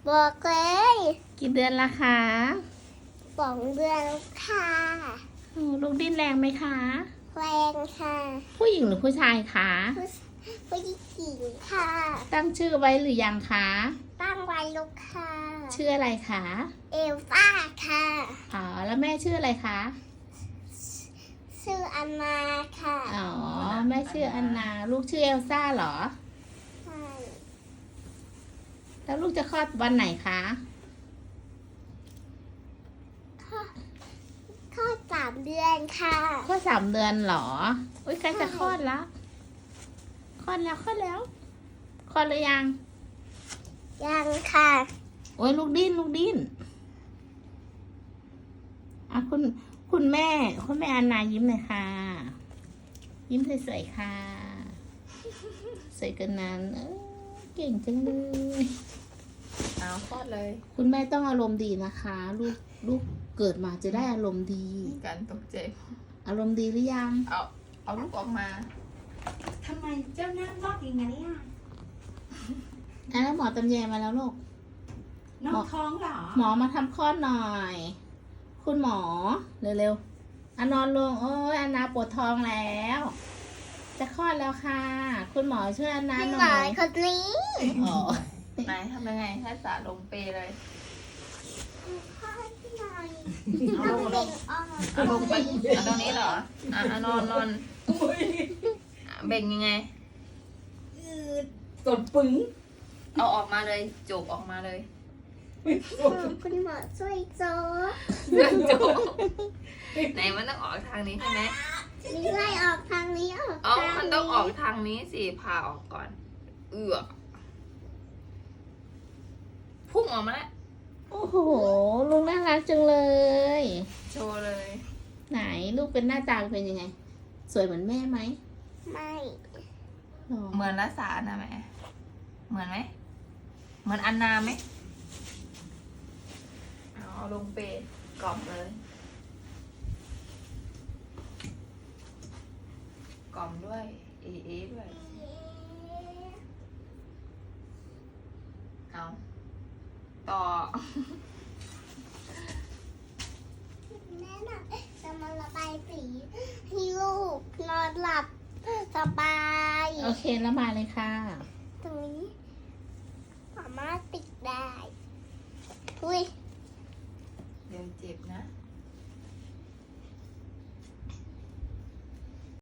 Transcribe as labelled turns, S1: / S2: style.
S1: บอกเลย
S2: กี่เดือนละคะ
S1: 2 เดือนค่ะ
S2: ลูกดิ้นแรงไหมคะ
S1: แรงค่ะ
S2: ผู้หญิงหรือผู้ชายคะ
S1: ผู้หญิงค่ะ
S2: ตั้งชื่อไว้หรือยังคะ
S1: ตั้งไว้ลูกค่ะ
S2: ชื่ออะไรคะ
S1: เอลซ่าค่ะ
S2: อ๋อแล้วแม่ชื่ออะไรคะ
S1: ชื่ออันนาค่ะ
S2: อ๋อแม่ชื่ออันนาลูกชื่อเอลซ่าเหรอ
S1: ใช่
S2: แล้วลูกจะคลอดวันไหนคะ
S1: ข้อ3 เดือนค่ะ
S2: คลอด3 เดือนเหรออุ้ยใกล้จะคลอดแล้วคลอดแล้วคลอดแล้วคลอดหรือยัง
S1: ยังค่ะ
S2: โอ้ยลูกดิ้นอ่ะคุณแม่อันนายิ้มหน่อยค่ะ ยิ้มสวยๆค่ะสวยกันนั้นเก่งจังเลย
S3: เอาคลอดเลย
S2: คุณแม่ต้องอารมณ์ดีนะคะ ลูกเกิดมาจะได้อารมณ์ดี
S3: การตกใจ
S2: อารมณ์ดีหรือยัง
S3: เอาลูกออกมา
S4: ทำไมเจ้าหน้าบอกอย่างนี้อ่ะ
S2: แล้วหมอตำแยมาแล้วลูก
S4: น้องท้องเหรอ
S2: หมอมาทำคลอดหน่อย คุณหมอเร็วๆนอนลงโอ้ยอันนาปวดท้องแล้ว จะคลอดแล้วค่ะ คุณหมอช่วยอันนา
S1: พี่
S2: ห
S1: หม
S2: น่
S1: อ
S2: อย
S1: คนนี้
S2: อ๋อ
S3: ไหนทำยังไงให้สาลงเปเลย
S1: ข้อที่หน่อย
S3: เอา
S1: ต้
S3: ล
S1: อง
S3: งล
S1: เบ่
S3: ง
S1: งออก
S3: เอาลงไปเอาตรงนี้เหรอนอนเบ่งยังไง
S4: สดปึ้ง
S3: เอาออกมาเลยจบออกมาเลย
S1: คุณหมอช่วยโจ๊ก
S3: จบไหนมันต้องออกทางนี้ใช่ไหม
S1: นี่ไล่ออกทางนี้ออก
S3: อ๋อ
S1: ทาง
S3: มันต้องออกทางนี้สิพาออกก่อน พุ่งออกมาแล้ว
S2: โอ้โหลูกน่ารักจังเลย
S3: โชว์เลย
S2: ไหนลูกเป็นหน้าตาเป็นยังไง สวยเหมือนแม่ไหม
S1: ไม่
S2: หรอ
S3: เหมือนรัสานะแม่เหมือนไหมเหมือนอันนาไหมเอาลงเปกล่อมเลยกล่อมด้วยเอด้วยเอาต่อ
S1: แม่น่ะจะมาระบายสีให้ลูกนอนหลับสบาย
S2: โอเคแล้วมาเลยค่ะ
S1: ตรงนี้สามารถติดได้อุ้ย
S3: เดี๋ยวเจ็บนะ